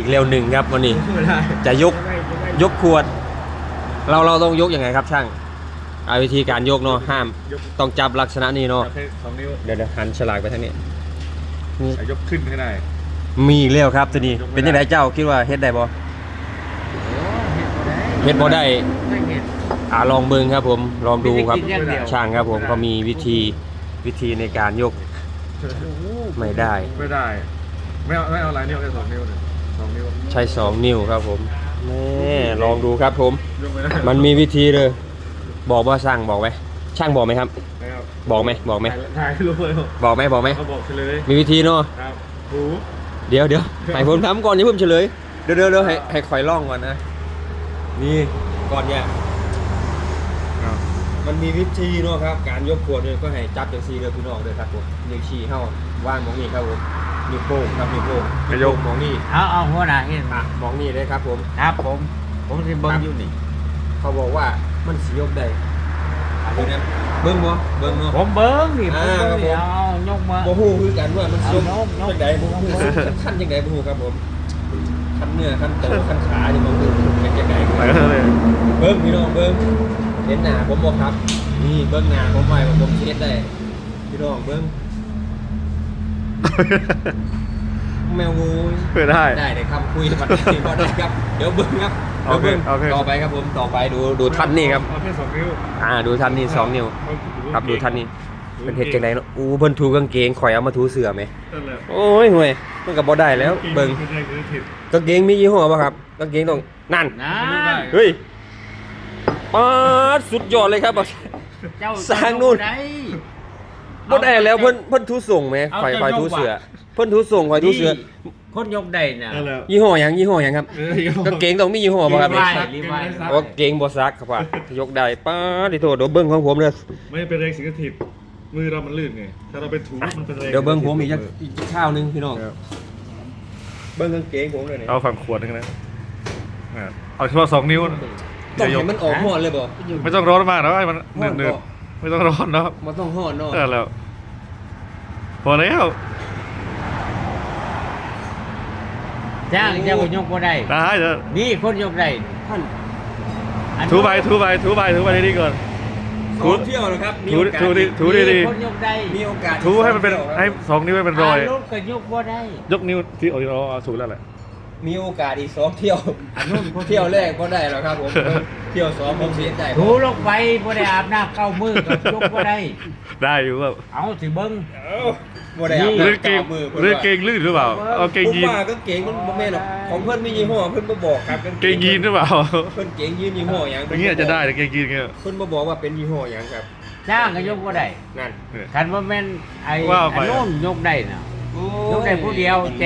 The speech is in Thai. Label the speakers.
Speaker 1: กเร็วหนึ่งครับวันนี้จะยกขวดเราต้องยกยังไงครับช่างเอาวิธีการยกเนาะห้ามต้องจับลักษณะนี้เนาะ
Speaker 2: สองนิ้ว
Speaker 1: เดี๋ยวหันฉลากไปทางนี้
Speaker 2: ยกขึ้นให้ได้
Speaker 1: มีอีกแล้วครับตัวนี้เป็นยังไงเจ้าคิดว่าเฮ็ดได้บ่เฮ็ดบ่ได้ลองเบิ่งครับผมลองดูครับช่างครับผมก็มีวิธีในการยกไม่ได้
Speaker 2: ไม่เอาหลายนิ้วแค่2 นิ้วเลย2 นิ้ว
Speaker 1: ใช้2 นิ้วครับผมนี่ลองดูครับผม
Speaker 2: ยกไม่ได้
Speaker 1: มันมีวิธีเลยบอกว่าช่างบอกไหมช่างบอกไหมครับ
Speaker 2: นะครับ
Speaker 1: บอกไหม
Speaker 2: ถ่ายรูปเลย
Speaker 1: บอกไหม
Speaker 2: เขาบอกเฉลย
Speaker 1: มีวิธีเนาะ
Speaker 2: ครับหู
Speaker 1: เดี๋ยวให้ผมทำก่อนอย่าเพิ่งเฉลยเดี๋ยวให้คอยล่องก่อนนะนี่ก่อนเนี่ยมันมีวิธีเนาะครับการยกขวดเนี่ยก็ให้จับจังซี่เลยพี่น้องเลยครับผมนิ้วชี้เฮาว่างมองนี่ครับผมนิ้วโป้งครับนิ้วโป้งยกมองนี่
Speaker 3: เอาหัวหน้าเห็น
Speaker 1: มองนี่เลยครับผม
Speaker 3: ครับผมสิเบิ่งอยู่นี่
Speaker 1: เขาบอกว่ามันสิยกได้ดูนะเบิ่งเนาะ
Speaker 3: ผมเบิ่งนี่ผมเบิ่ง
Speaker 1: ครับผม
Speaker 3: นี่เอายกมา
Speaker 1: บ่ฮู้คือกันว่ามันสิยก
Speaker 3: เอายก
Speaker 1: จังไดบ่ฮู้ขั้นจังไดบ่ฮู้ครับผมขั้นเนื้อขั้นโตขั้นขานี่บ่ฮู้เป็นจังได
Speaker 2: ไปกันเลย
Speaker 1: เบิ่งพี่น้องเบิ่งเห็นหน้าผมบ่ครับนี่เบิ่งหน้าผมไว้ว่าผมสิเฮ็ดได้พี่น้องเบิ่งแมวงู
Speaker 2: ไม่ได้
Speaker 1: ได้คำคุยบัดนี้บ่ได้ครับเดี๋ยวเบิ่งครับเดี๋ยวเบิ่ง
Speaker 2: โอเค
Speaker 1: ต่อไปครับผมต่อไปดูท่านนี่ครับ
Speaker 2: เอาแค่2 นิ้ว
Speaker 1: ดูท่านนี่2 นิ้วครับดูท่านนี่เป็นเฮ็ดจังไดเนาะเพิ่นถูกางเกงข่อยเอามาถูเสื้อไหม
Speaker 2: นั่นแหละ
Speaker 1: โอ้ยห่วยมันก็บ่ได้แล้วเบิ่ง
Speaker 2: ไม่ได้คือผิด
Speaker 1: กางเกงมียี่ห้อป่ะครับกางเกงต้องนั่น
Speaker 3: นะ
Speaker 1: เฮ้ยป๊าดสุดยอดเลยครับ
Speaker 3: เจ้า
Speaker 1: สร้างนู่น
Speaker 3: ได้
Speaker 1: บ่ได้แล้วเพิ่นทูส่งไหม
Speaker 3: เอา
Speaker 1: ข่อย
Speaker 3: แต่
Speaker 1: ข่อย
Speaker 3: ยก
Speaker 1: ทูเสือ
Speaker 3: ว่ะ
Speaker 1: เพิ่นทูส่งข่อยทูเสือ
Speaker 3: คนยกได้น่ะ
Speaker 2: นั่นแหละ
Speaker 1: ยี่ห้อหยังครับกางเกงต้องมียี่ห้อป่ะครับ
Speaker 3: รี
Speaker 1: เนี่ย
Speaker 3: ไวรีไว
Speaker 1: โอ้เกงบ่ซักครับว่ายกได้ป๊าดดิโทษเดี๋ยวเบิ่งของผมเด้อ
Speaker 2: ไม่เป็นแรงสิงสถิตมือเรามันลื่นไงถ้าเราไปถูมันเป็นแรง
Speaker 1: เดี๋ยวเบิ่งผมอีกข้าวนึงพี่น้องเบิ่งกางเกงผมเลยนี่
Speaker 2: เอาฝั่งขวดนึงนะเอาเฉพาะ2 นิ้ว
Speaker 1: ต้องให้มันออกหอดเลยบ่
Speaker 2: ไม่ต้องร้อนมากนะให้มันเนืดๆไม่ต้องร้อนเนาะ
Speaker 1: มันต้องหอดเนาะ
Speaker 2: ได้แล้วพอแล้ว
Speaker 3: จ้างเจ้าก็ยกบ่ได้
Speaker 2: ได้เถอะ
Speaker 3: นี่คนยกได้
Speaker 1: ท่าน
Speaker 3: อัน
Speaker 2: ถูไปนี่ก่อน
Speaker 1: ขอเที่ยวนะครับมีโอกาส
Speaker 2: ถูดี
Speaker 3: นี่คนยกได้
Speaker 1: มีโอกาส
Speaker 2: ถูให้มันเป็นให้2 นิ้วให้เป็นรอย
Speaker 3: รถก็ยกบ่ได้
Speaker 2: ยกนิ้วที่เอาถูแล้วแหละ
Speaker 1: มีโอกาสอีก2 เที่ยว
Speaker 3: อันนู้น
Speaker 1: เที่ยวแรกก็ได้แล้วครับผมเที่ยว2ผมเสียใจ
Speaker 3: ถูลงไปบ่ได้อาบน้ำเข้ามือก็ยกบ่ได้
Speaker 2: ได้อยู่แบบ
Speaker 3: เอาสิเบิ่ง
Speaker 1: บ่ได้อาบ
Speaker 2: เรื่องเก่ง
Speaker 1: มือ
Speaker 2: เรื่องเก่งลื่นหรือเปล่าเอาเก่ง
Speaker 1: ผม
Speaker 2: ยีน
Speaker 1: ว่าก็เก่งมันบ่แม่นหรอกของเพิ่นมียี่ห้อเพิ่นบ่บอกครับ
Speaker 2: เก่งยีนหรือเปล่า
Speaker 1: เพิ่นเก่งยีนยี่ห้อหยัง
Speaker 2: อย่างเงี้ยจะได้แต่เก่งยีนเงี้ย
Speaker 1: เพิ่นบ่บอกว่าเป็นยี่ห้อหยังครับ
Speaker 3: จ้างก็ยกบ่ได้
Speaker 1: นั่น
Speaker 3: คันว่าแม่นไอ้
Speaker 2: ว่าไป
Speaker 3: อันนู้นยกได้น่ะ
Speaker 1: โอ้
Speaker 3: ยกได้ผู้เดียว